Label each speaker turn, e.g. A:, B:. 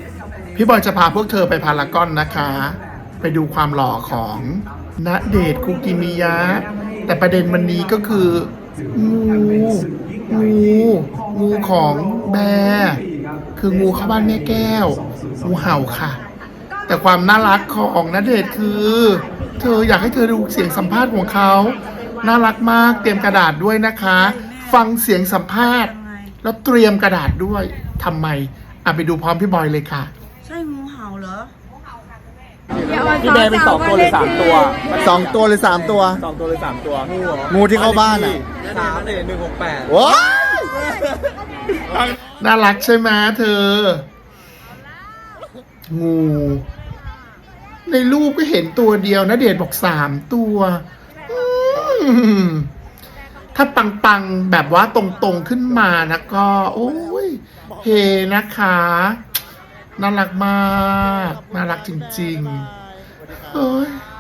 A: พี่บอยจะพาพวกเธอไปพารากอนนะคะ ไปดูความหล่อของณเดชน์คุกิมิยะแต่ประเด็นวันนี้ก็คืองูของแบร์คืองูเข้าบ้านแม่แก้วงูเห่าค่ะ แต่ความน่ารักของณเดชน์คือเธออยากให้เธอดูเสียงสัมภาษณ์ของเขาน่ารักมากเตรียมกระดาษด้วยนะคะ ฟังเสียงสัมภาษณ์แล้วเตรียมกระดาษด้วยทำไมไปดูพร้อมพี่บอยเลยค่ะ
B: ใช่งูเห่าเหรอ
C: พี่แบร์เป็น2 ตัวหรือ 3 ตัว
D: 2 ตัวหรือ 3 ตัว
C: 2 ตัวหรือ 3 ตัวงูเหรอ
D: งูที่เข้าบ้านอ่ะ
C: 3-168
D: ว้า
A: น่ารักใช่ไหมเธอ งูในรูปก็เห็นตัวเดียวนะเดชน์บอก3 ตัวถ้าปังๆแบบว่าตรงๆขึ้นมานะก็ โอ้ยเฮนะคะน่ารักมากน่ารักจริงๆเฮ้ย